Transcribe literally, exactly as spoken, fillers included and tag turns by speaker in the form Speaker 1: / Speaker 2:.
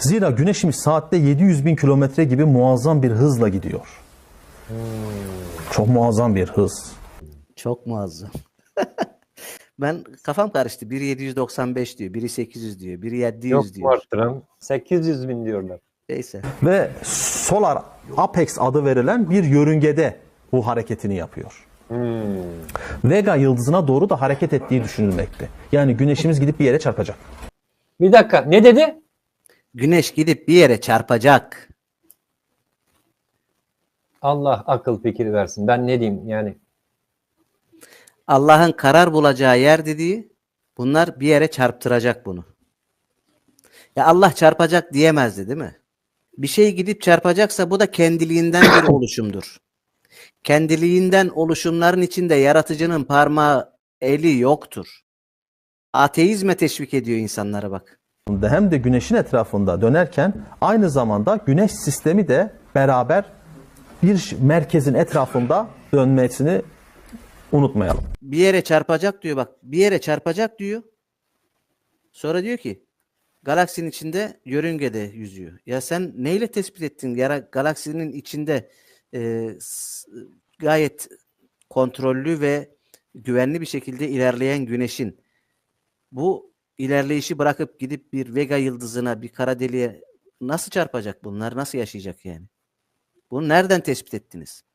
Speaker 1: Zira güneşimiz saatte yedi yüz bin kilometre gibi muazzam bir hızla gidiyor.
Speaker 2: Hmm.
Speaker 1: Çok muazzam bir hız.
Speaker 2: Çok muazzam. Ben kafam karıştı. Biri yedi yüz doksan beş diyor, biri sekiz yüz diyor, biri yedi yüz
Speaker 3: Yok mu
Speaker 2: diyor.
Speaker 3: arttıran? sekiz yüz bin diyorlar.
Speaker 2: Neyse.
Speaker 1: Ve Solar Apex adı verilen bir yörüngede bu hareketini yapıyor.
Speaker 3: Hmm.
Speaker 1: Vega yıldızına doğru da hareket ettiği düşünülmekte. Yani güneşimiz gidip bir yere çarpacak.
Speaker 3: Bir dakika, ne dedi?
Speaker 2: Güneş gidip bir yere çarpacak.
Speaker 3: Allah akıl fikir versin. Ben ne diyeyim yani?
Speaker 2: Allah'ın karar bulacağı yer dediği, bunlar bir yere çarptıracak bunu. Ya Allah çarpacak diyemezdi, değil mi? Bir şey gidip çarpacaksa bu da kendiliğinden bir oluşumdur. Kendiliğinden oluşumların içinde yaratıcının parmağı, eli yoktur. Ateizme teşvik ediyor insanlara bak.
Speaker 1: Hem de güneşin etrafında dönerken aynı zamanda güneş sistemi de beraber bir merkezin etrafında dönmesini unutmayalım.
Speaker 2: Bir yere çarpacak diyor bak. Bir yere çarpacak diyor. Sonra diyor ki galaksinin içinde yörüngede yüzüyor. Ya sen neyle tespit ettin? Yara, galaksinin içinde e, s- gayet kontrollü ve güvenli bir şekilde ilerleyen güneşin bu ilerleyişi bırakıp gidip bir Vega yıldızına, bir kara deliğe nasıl çarpacak bunlar? Nasıl yaşayacak yani? Bunu nereden tespit ettiniz?